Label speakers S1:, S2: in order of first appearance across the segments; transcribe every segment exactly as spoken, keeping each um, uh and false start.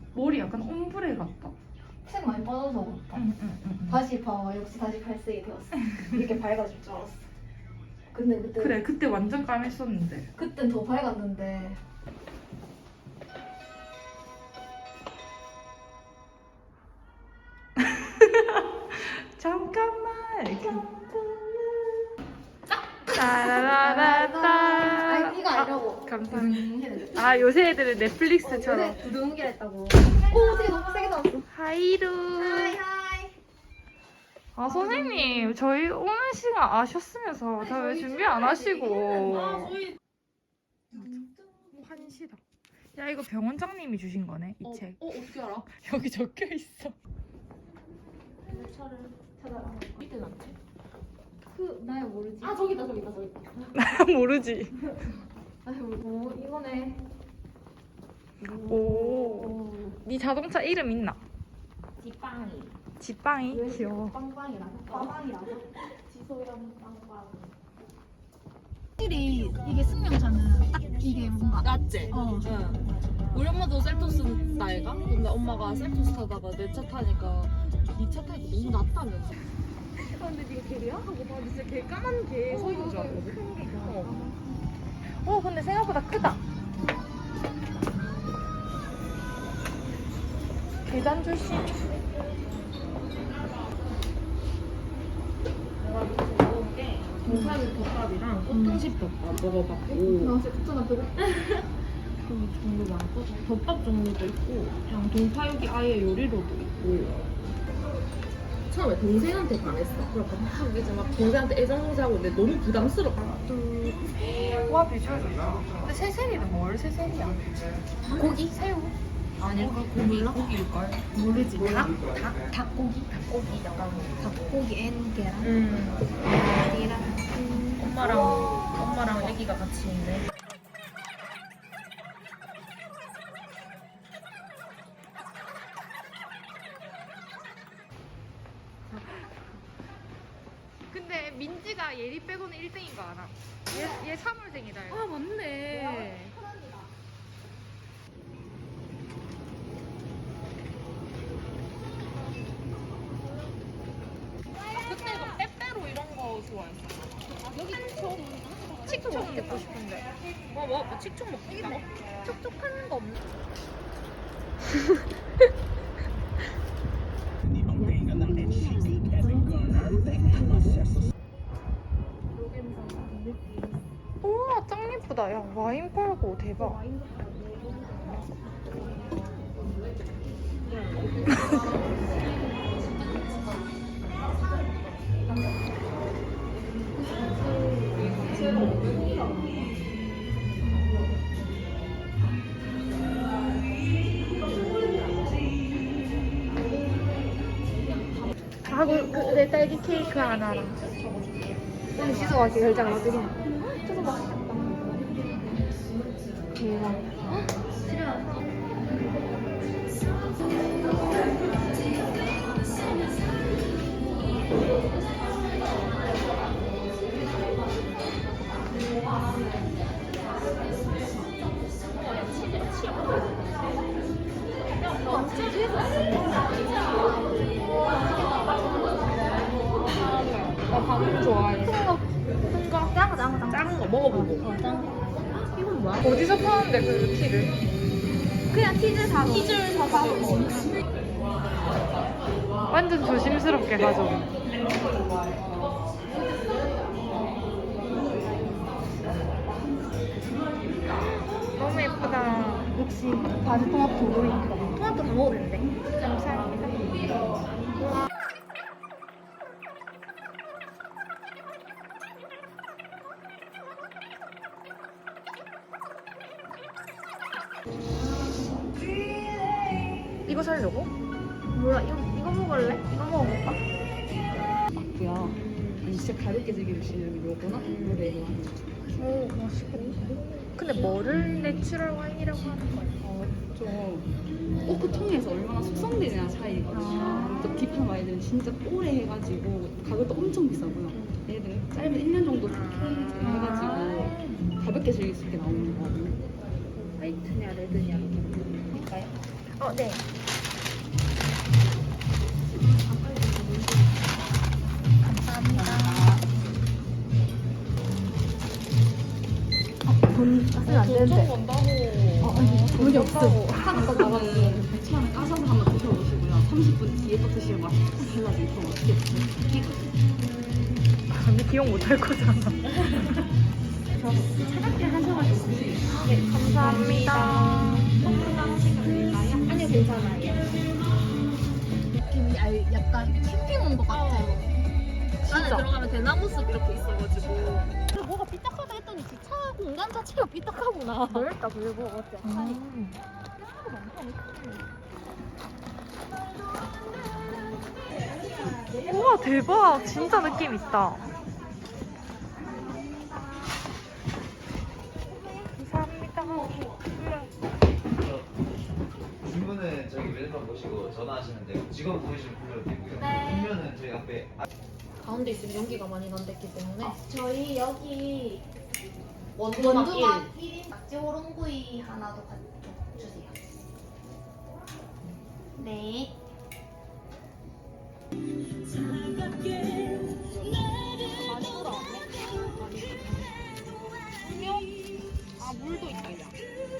S1: 머리 약간 옴브레 같다.
S2: 색 많이 빠져서 그렇다.
S1: 응, 응, 응.
S2: 다시 봐. 역시 다시 갈색이 되었어. 이렇게 밝아질 줄 알았어. 근데 그때
S1: 그래, 그때 완전 까맸었는데.
S2: 그땐 더 밝았는데.
S1: 잠깐만.
S2: 아,
S1: 따라라라따.
S2: 이거 아니라고.
S1: 감사합니다. 아, 요새 애들은 넷플릭스처럼.
S2: 두둥기라 했다고. 오, 되게 너무 세게 나왔어.
S1: 하이루.
S2: 하이 하이.
S1: 아, 선생님, 저희 오는 시간 아셨으면서 다 왜 준비 안 하시고.
S2: 아, 저희
S1: 환시다. 야, 이거 병원장님이 주신 거네, 이
S2: 어,
S1: 책.
S2: 어, 어떻게 알아?
S1: 여기 적혀 있어.
S2: 차를 찾아라.
S3: 밑에 놨지?
S2: 그 나야 모르지.
S3: 아 저기다 저기다 저기다.
S1: 나 모르지.
S2: 나야 모르지. 어, 이거네.
S1: 오. 네 자동차 이름 있나?
S3: 지빵이.
S1: 지빵이? 귀여워.
S2: 빵빵이라서. 빵빵이라서. 지소랑 빵빵. 확실히 이게 승용차는 딱 이게 뭔가.
S3: 맞지?
S2: 어.
S3: 응. 우리 엄마도 셀토스 나이가? 근데 엄마가 셀토스 타다가 내 차 타니까 니 차 타니까 너무 낫다면서.
S1: 아, 근데 네가 개야? 하고 봐. 진짜 개 까만 개 서 있는 줄 알았거든. 어. 어, 근데 생각보다 크다. 계단 조심.
S3: 내가 지금 먹은 게 동파육 덮밥이랑 꽃등심 덮밥 먹어봤고
S2: 나 진짜 나 배고.
S3: 그 종류 많거든. 덮밥 종류도 있고 그냥 동파육이 아예 요리로도 있고. 처음에 동생한테 반했어. 그러니까 막 이제 막 동생한테 애정하고 있는데 너무 부담스럽다.
S1: 와, 비주얼 좋다. 근데 새세리는 뭘 새세리야?
S3: 고기? 새우? 아닐까? 고기일까? 고기일걸?
S2: 모르지.
S3: 몰라?
S2: 닭? 닭고기?
S3: 닭고기 약간
S2: 닭고기 앤 계란?
S3: 음.
S2: 계란.
S3: 엄마랑 엄마랑 애기가 같이 있네.
S1: 근데 민지가 예리 빼고는 일 등인 거 알아? 얘, 얘 삼월생이다.
S3: 아 맞네. 그때 그 빼빼로 이런 거 좋아했어. 여기
S1: 칙총 먹고 싶은데.
S3: 뭐 뭐? 뭐 칙총 먹자.
S2: 촉촉한 거 없나?
S1: 우와, 짱 예쁘다. 야, 와인 팔고 대박. 하고 내 딸기 케이크 하나랑.
S2: 오늘 지수가 이렇게 결제가 나중에. 저거 맛있겠다. 대박. 집에 가서.
S1: 나 방금 좋아해.
S2: 큰 거. 작은 거, 작은 거.
S3: 작은 거 먹어보고.
S2: 어, 작은 거. 이건 뭐야?
S1: 어디서 파는데 그 티를?
S2: 그냥 치즈 사고.
S3: 치즈를 사서 먹어.
S1: 완전 조심스럽게 가져. 너무 예쁘다.
S2: 역시 바지토마토 우리 토마토 다 먹어도 되는데.
S1: 감사합니다. 이거 살려고?
S2: 몰라, 이거, 이거 먹을래? 이거 먹어볼까?
S3: 야, 아니 진짜 가볍게 즐길 수 있는 요거나 물에 이거
S1: 오, 맛있겠다. 근데 뭐를 내추럴 와인이라고 하는 거야?
S4: 어, 좀 오크 통에서 얼마나 숙성되느냐 차이거든요.
S1: 아.
S4: 또 딥한 와인들은 진짜 오래 해가지고 가격도 엄청 비싸고요. 얘들은 짧은 일 년 정도 해가지고 가볍게 즐길 수 있게 나오는 거거든요.
S2: 화이트냐, 레드냐. 볼까요?
S1: 어, 네.
S4: 돈 쓰면 안 되는데.
S3: 번다고.
S4: 어, 아니, 돈이 없어. 하나 더 나가면 백천 원에 까서 한번 드셔보시고요. 삼십 분 뒤에 또 드시면 맛이 좀 달라지고 더 맛있게 드세요.
S1: 언니 기억 못할 거잖아.
S4: 차갑게 하셔가지고 드세요.
S1: 네, 감사합니다.
S2: 아니요, 괜찮아요.
S4: 느낌이 아예 약간 캠핑 온 것 같아요.
S3: 안에 들어가면 대나무 숲 이렇게 있어가지고.
S4: 뭐가 삐딱하다 했더니 주차 공간 자체가 삐딱하구나.
S2: 넓다, 그리고 어때?
S1: 음. 우와, 대박. 진짜 느낌 있다. 감사합니다.
S5: 주문은 저기 메뉴판 보시고 전화하시면 되고 직원 보이시면 불러도 되고요. 음료는 저희 앞에
S3: 가운데 있으면 연기가 많이 난댔기 때문에.
S2: 저희 여기
S3: 원두막
S2: 원두막 일 인 낙지 호롱구이 하나 더 가져 주세요. 네.
S3: 아 물도 있다 야.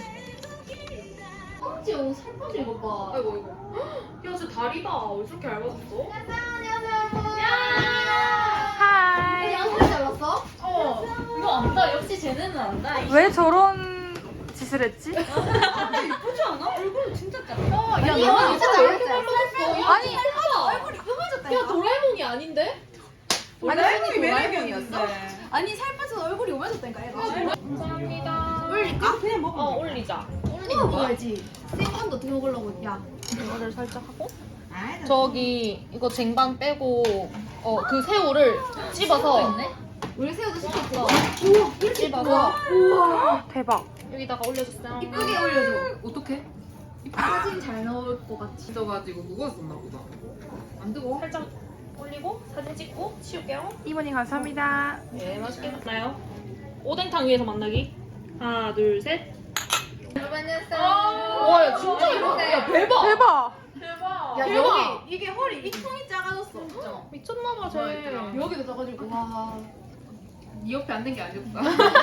S2: 깜찍 오늘 살 빠진 것 봐.
S3: 아이고 아이고. 야 진짜 다리다. 왜 저렇게 얇아졌어?
S1: 하이.
S2: 양말 잘랐어?
S3: 어. 이거 안다. 역시 쟤네는 안다.
S1: 왜 저런 짓을 했지?
S3: 예쁘지 않아? 얼굴은 진짜 작다.
S2: 야,
S3: 아니,
S2: 너무
S3: 야,
S2: 진짜
S3: 왜 이렇게
S2: 잘랐어.
S3: 닮아졌어? 야,
S1: 아니.
S3: 얼굴이 흠해졌다. 야 도라에몽이 아닌데?
S1: 도라에몽이
S3: 매력이었어.
S2: 아니, 살 빠져서 얼굴이 오면졌다니까, 얘가.
S3: 감사합니다.
S2: 올릴까? 그냥 먹어.
S3: 어 올리자.
S2: 이거 먹어야지. 생건도 어떻게 먹으려고. 야.
S3: 이거를 살짝 하고. 저기 이거 쟁반 빼고 어 그 새우를 찝어서
S2: 우리 새우도 시켰어.
S3: 찝어서
S1: 대박.
S3: 여기다가 올려줬어요.
S2: 이쁘게 올려줘.
S3: 어떻게?
S2: 사진 잘 나올 것 같이.
S3: 찢어가지고 무거웠었나 보다. 안 뜨거? 살짝 올리고 사진 찍고 치울게요.
S1: 이모님 감사합니다.
S3: 네 맛있게 먹나요? 오뎅탕 위에서 만나기. 하나 둘 셋. 와, 야, 진짜 이러네. 야, 대박.
S1: 대박.
S3: 대박.
S2: 야,
S3: 대박.
S2: 여기 이게 허리 이 통이 작아졌어. 진짜.
S3: 미쳤나봐, 쟤.
S2: 여기도 작아지고 와.
S3: 네 옆에 앉는 게 아니었다.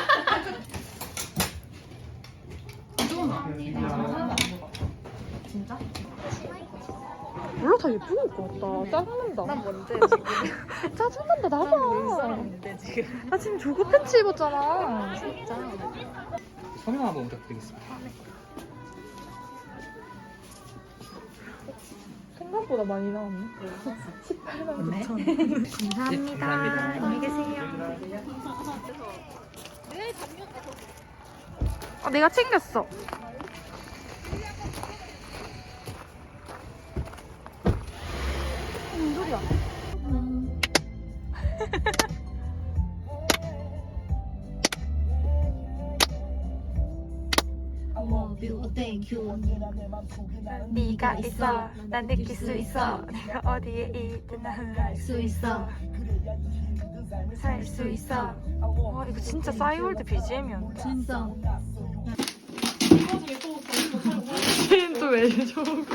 S2: 진짜?
S1: 몰라, 다 예쁜 것 같다. 짜증난다.
S2: 난 뭔데 지금?
S1: 짜증난다, 나봐.
S2: 뭔데 지금?
S1: 나 지금 조거 팬츠 입었잖아.
S2: 진짜.
S5: 설명 한번 부탁드리겠습니다.
S1: 생각보다 많이 나왔네. 십팔만 구천 원. 감사합니다. 안녕히 계세요. 아, 내가 챙겼어. 무슨 소리야? 네가 있어, 난 느낄 수 있어. 내가 어디에 있든 나는 알 수 있어. 살 수 있어. 와, 이거 진짜 싸이월드 비지엠이었네.
S2: 진짜.
S1: 쟤는 또 왜 저러고.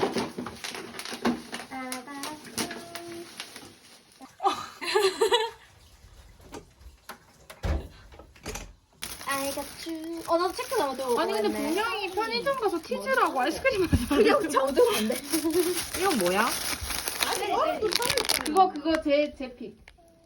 S2: I got you. 어, 나도 체크 잘못 들고
S1: 아니 근데 분명히 편의점 가서 티즈라고 아이스크림 하자.
S2: 그냥 잘못 들었는데.
S1: 이건 뭐야?
S2: 그거 그거 제 제 픽.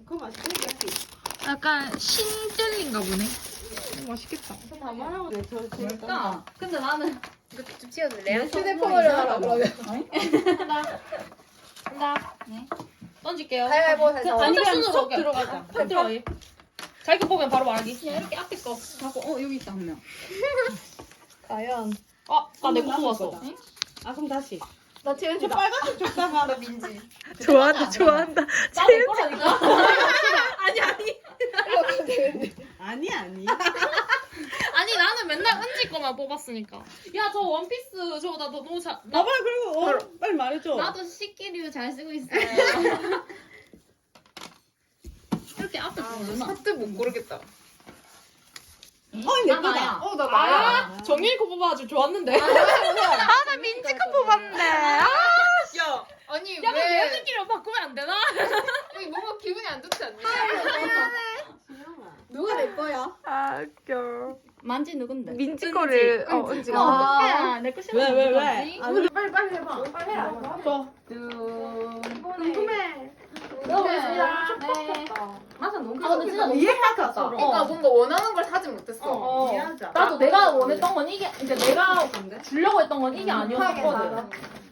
S1: 약간 신젤리인가 보네. 맛있겠다.
S2: 다 말하고 왜 저,
S4: 그러니까.
S2: 근데 나는
S3: 좀 치워줄래요?
S2: 휴대폰으로 하라 그러면.
S3: 한다. 한다.
S2: 네.
S3: 던질게요.
S2: 가위바위보 해서.
S3: 아니,
S4: 그냥
S3: 순으로
S4: 쏙
S3: 그냥
S4: 들어가자.
S3: 팍 들어가. 자기 거 보면 바로 말기. 그냥 이렇게 앞에 거.
S4: 하고 어 여기 있다 한 명.
S2: 과연.
S3: 아, 나 내 거 뽑았어.
S4: 아 그럼 다시.
S2: 나 지금 저 빨간색 줬다가 나 민지.
S1: 좋아한다, 좋아한다.
S3: 나내 거라니까.
S2: 아니 아니.
S4: 아니 아니.
S3: 아니 나는 맨날 은지 거만 뽑았으니까. 야 저 원피스 저거 나 너무 잘. 나
S4: 나봐요 그리고 어, 빨리 말해줘.
S2: 나도 식기류 잘 쓰고 있어요.
S3: 이렇게 앞에 보면
S1: 하트 못 고르겠다.
S4: 어 예쁘다.
S3: 어, 나 나야. 정일 코 뽑아가지고 좋았는데.
S1: 아 나 민지가 뽑았네. 아,
S3: 야,
S6: 아니
S3: 야, 그럼
S6: 왜
S3: 얘네끼리 바꾸면 안 되나?
S6: 여기 뭔가 기분이 안 좋지 않니?
S4: 누가 내 거야?
S1: 아 웃겨.
S4: 만지 누군데?
S1: 민지 거를 어 은지.
S4: 아, 내거 싫어.
S3: 왜, 왜, 왜?
S4: 아,
S6: 빨리 빨리 해봐. 빨리 해라.
S3: 저.
S6: 궁금해.
S2: 너무했습니다.
S6: 네.
S2: 맞아 너무
S4: 아, 근데 진짜 너무
S2: 이해했다.
S6: 그러니까 뭔가 원하는 걸 사지 못했어.
S3: 어.
S6: 미안하다.
S3: 나도 내가 원했던 건 이게, 이제 내가 주려고 했던 건 이게 아니었거든.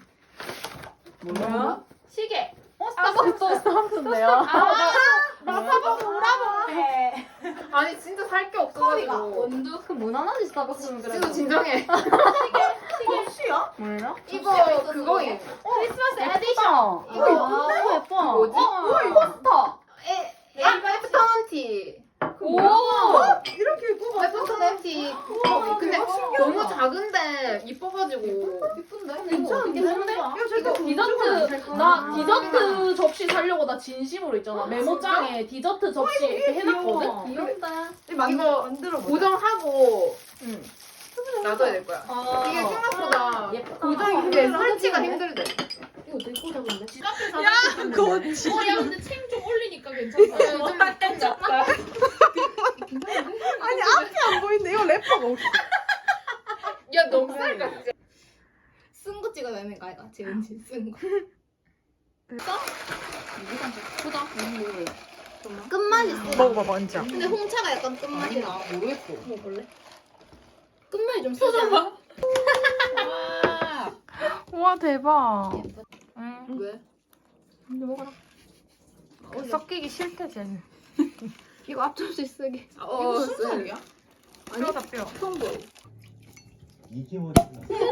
S6: 뭐야?
S3: 시계. 어,
S6: 스타벅스.
S3: 스타벅스인데요.
S6: 나 스타벅스 오라고 해. 아니 진짜 살 게 없어가지고.
S2: 원두 그 무난하지 스타벅스는 그래.
S6: 진짜 진정해.
S2: 혹시야?
S3: 뭐예요?
S6: 이거 그거임.
S2: 크리스마스 에디션.
S6: 이거
S2: 이거 예뻐.
S6: 뭐지?
S2: 어, 포스터.
S6: 에, 아, 애프터넌티.
S2: 오.
S6: 이렇게 예쁘고 애프터넌티. 어, 근데 너무 작은데 이뻐가지고. 예쁜데?
S2: 괜찮은데?
S6: 야, 저거
S3: 디저트, 나 디저트 접시 사려고 나 진심으로 있잖아. 메모장에 디저트 접시 이렇게 해놨거든?
S2: 귀엽다.
S6: 이거
S2: 만들어
S6: 고정하고
S3: 응.
S6: 놔둬야 될 거야.
S3: 아.
S6: 이게 생각보다
S2: 예쁘다.
S6: 고정이 근데 설치가 힘들대.
S2: 이거 되게 꽂아본데?
S3: 집 앞에 사는 야, 그거 어, 야, 근데 책 좀 올리니까 괜찮다.
S6: 요즘 땡겼다.
S1: 아니 앞이 안 보이는데 이거 래퍼가 없어.
S6: 야, 너무 쌀 같지?
S4: 쓴 거 찍어야 되는 거 아이가? 재은지 쓴 거.
S2: 보자.
S4: 끝맛 있어.
S1: 먹어봐 먼저.
S4: 근데 홍차가 약간 끝맛이 나.
S6: 모르겠어.
S4: 먹을래? 끝맛이 좀
S3: 표정 봐.
S1: 와 대박. 응.
S6: 왜?
S1: 섞이기 싫대 쟤는.
S2: 이거 앞접시 쓰게.
S6: 어,
S3: 순살이야?
S1: 뼈다 뼈.
S5: 이게 뭐지?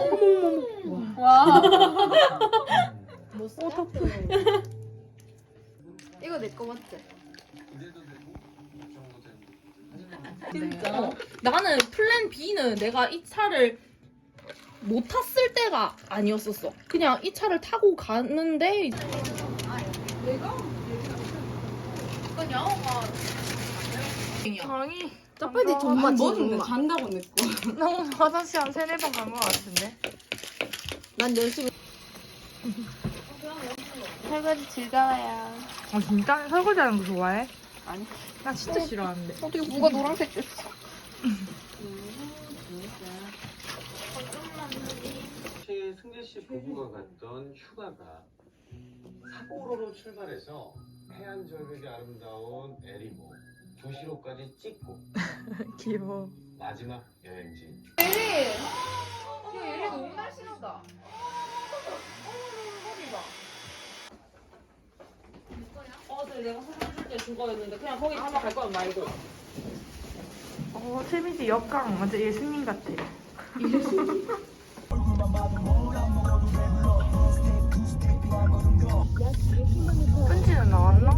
S3: 와.
S4: 뭐 써?
S2: 이거 내 거 맞지?
S3: 진짜. 어, 나는 플랜 B는 내가 이 차를 못 탔을 때가 아니었었어. 그냥 이 차를 타고 갔는데
S1: 강이
S4: 짜파게티 존맛
S2: 뭐는
S4: 존맛.
S2: 잔다고 내 거.
S1: 너무 화장실 한 세네 번 간 것 같은데.
S4: 난 열심히.
S1: 설거지 즐거워요. 아 진짜 설거지하는 거 좋아해?
S2: 아니.
S1: 나 진짜 싫어하는데.
S2: 어떻게 누가 노란색 됐어?
S7: 최 승재 씨 부부가 갔던 휴가가 삿포로로 출발해서 해안 절벽이 아름다운 에리모 도시로까지 찍고
S1: 귀여워.
S7: 마지막 여행지
S6: 예리! 야, 예리 너무 날씬하다.
S3: 어제 내가 사진 줄때 그거였는데 그냥 거기 한번 갈 거면 말고.
S1: 어 세민지 역강 완전 예수님 같아. 편지는 나왔나?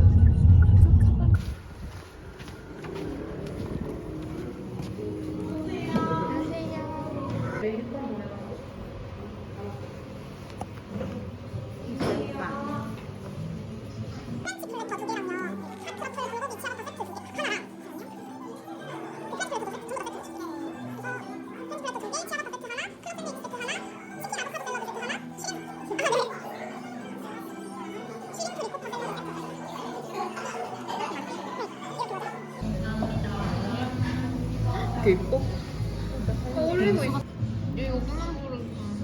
S3: 이렇게 입고?
S6: 어울리고 있어. 이거 그만 부르.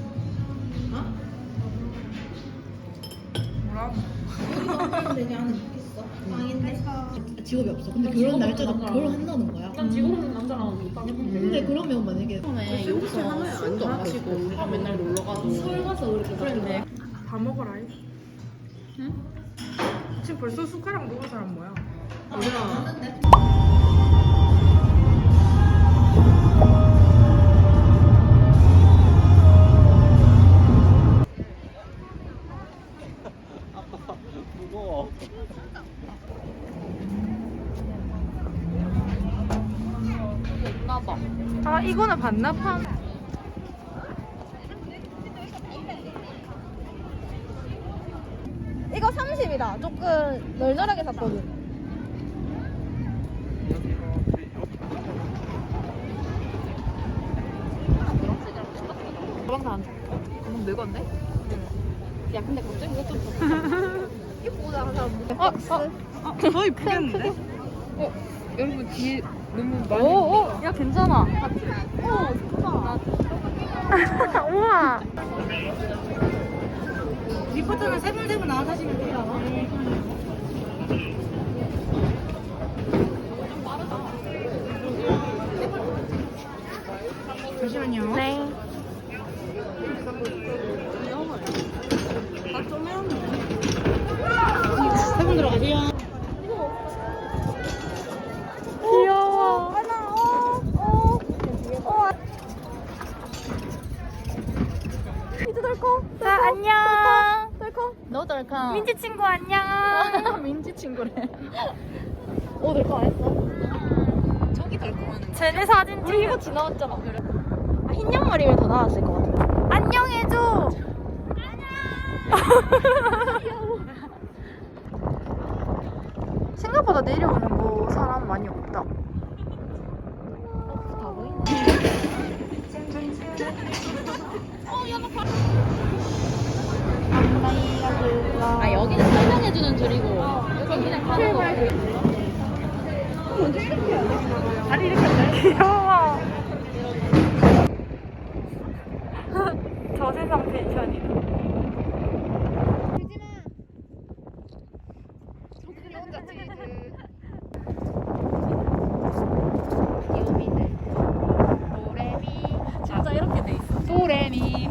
S4: 되게 안에 있어. 빵인데. 직업이 없어. 근데 결혼 날짜가 결혼한다는 거야.
S3: 난 지금 없는 남자랑 못 가겠는데.
S4: 근데 그러면 만약에 처음에 여기서
S3: 술도 안 마시고 우리가 맨날 놀러 가도
S4: 서울 가서 그렇게
S3: 그랬네.
S1: 다 먹어라. 응? 지금 벌써 숟가락 먹은 사람 뭐야?
S5: 무거워.
S3: 나봐.
S1: 아 이거는 반납한.
S4: 이거 삼십이다. 조금 널널하게 샀거든.
S6: 가방 다 안 줘. 가방 내 건데? 야 근데 갑자기 이거 좀 이쁘다 하나. 어? 어?
S4: 어, 더 이쁘겠는데?
S6: 여러분 뒤에 너무 많이.
S4: 오, 야 괜찮아.
S1: 우와.
S4: 리포터는 세 분 세 분 나와 사시면 돼요. 잠시만요.
S1: 네.
S4: 세 분 들어가세요.
S1: 귀여워. 자, 안녕.
S6: 너 덜컹.
S1: 민지 친구 안녕.
S6: 민지 친구래.
S2: 오, 널거 안 했어?
S6: 저기 덜컹하는.
S1: 쟤네 사진 찍어.
S2: 이거 지나왔잖아. 아, 흰 양말이면 더 나았을 것 같아.
S1: 안녕해줘. 생각보다 내려오는 거 사람 많이 없다.
S6: 아 여기는 설명해주는 줄이고 여기는 가는 거.
S1: 귀여워. 저세상 펜션이다.
S6: 진짜 이렇게 돼 있어. 도레미.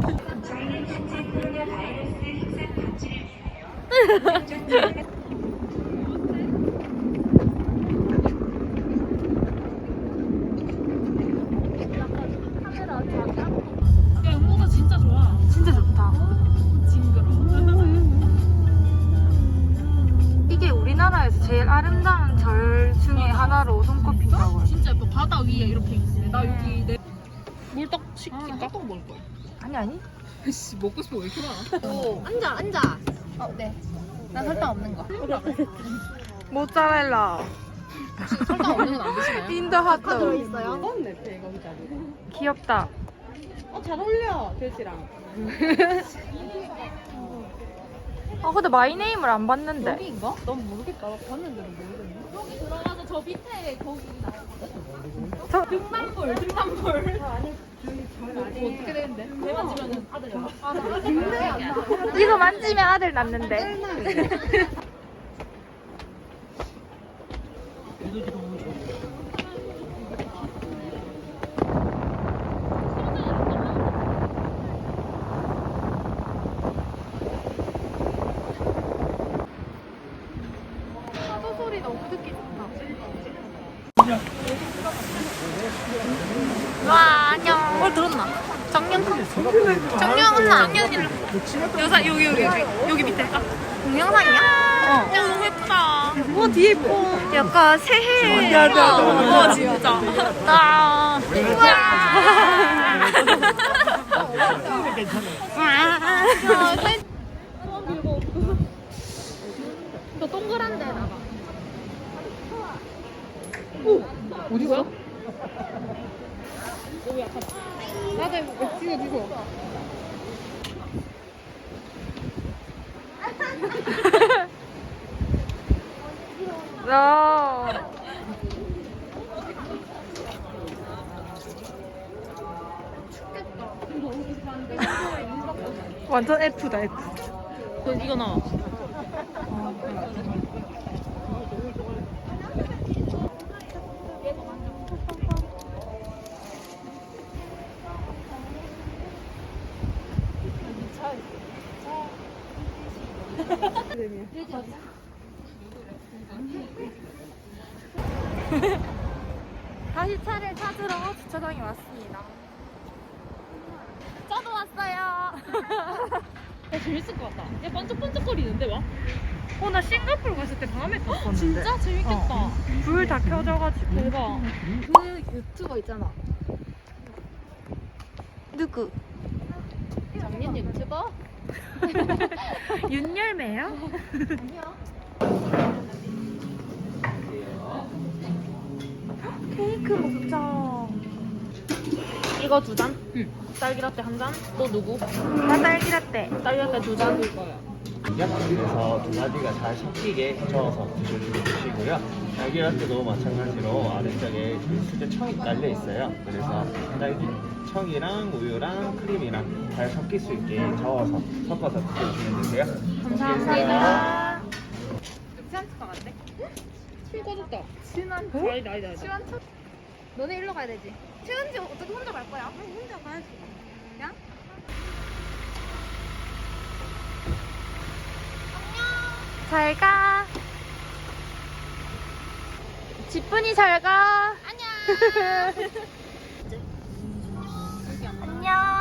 S6: 야 음모가 진짜 좋아.
S1: 진짜 좋다.
S6: 징그러.
S1: 이게 우리나라에서 제일 아름다운 절 중에 하나로 손꼽힌다고.
S6: 진짜 예뻐. 바다 위에 이렇게 있네. 나 여기 내 물떡 시킬까? 떡 먹을 거야.
S1: 아니 아니.
S6: 씨 먹고 싶어 왜 이렇게 많아? 오.
S2: 앉아, 앉아. 어, 네. 난 설탕 없는 거.
S1: 모짜렐라.
S6: 설탕 없는 건 안 드시나요?
S1: 인더 핫도그.
S2: 들어있어요?
S1: 귀엽다.
S6: 어, 잘 어울려 돼지랑.
S1: 아 근데 마이네임을 안 봤는데.
S6: 여기인가? 난 모르겠다. 나 봤는데 모르겠네. 여기 들어가서 저 밑에 거기
S1: 저
S6: 등산불, 등산불. 뭐, 뭐 어떻게 되는데? 배 만지면은 아들 나. 아들
S1: 이거 만지면 아들 낳는데. 파도 소리 너무 듣기 좋다. 와 안녕. 뭘 들었나? 정연খন. 정연나. 정연이랑. 여자 여기 여기 여기 여기 밑에. 아, 동영상이야? 어. 야 너무 예쁘다. 와 뒤에 예뻐. 약간 새해. 와 진짜. 아.
S6: 저 동그란데 나가.
S3: 어디가?
S6: 나도 해볼게. 찍어 찍어.
S1: 야. 완전 F다 F.
S6: 이거 나와.
S1: 다시 차를 찾으러 주차장에 왔습니다. 저도 왔어요.
S6: 야, 재밌을 것 같다. 야 반짝반짝거리는데 막.
S1: 어, 나 싱가포르 갔을 때 밤에 탔었는데.
S6: 진짜 재밌겠다.
S1: 불 다 켜져가지고.
S6: 대박.
S2: 그 유튜버 있잖아.
S1: 누구?
S2: 작년 유튜버?
S1: 윤열매야? 케이크 먹자.
S3: 이거 두 잔? 응. 딸기라떼 한 잔? 또 누구?
S1: 나 딸기라떼.
S3: 딸기라떼 두 잔?
S8: 약국에서 두 가지가 잘 섞이게 저어서 드셔주시면 되시고요. 딸기라떼도 마찬가지로 아래쪽에 그 수제 청이 깔려 있어요. 그래서 딸기 청이랑 우유랑 크림이랑 잘 섞일 수 있게 저어서 섞어서 드셔주시면 되세요.
S1: 감사합니다.
S6: 시원찮 같대?
S3: 술 꺼졌다.
S6: 친한
S3: 아니다 아니다 아니다.
S6: 시원찮? 너네 일로 가야 되지. 최은지 어떻게 혼자 갈 거야? 혼자 가야지. 야?
S1: 잘 가. 지쁜이 잘 가.
S6: 안녕.
S1: 안녕.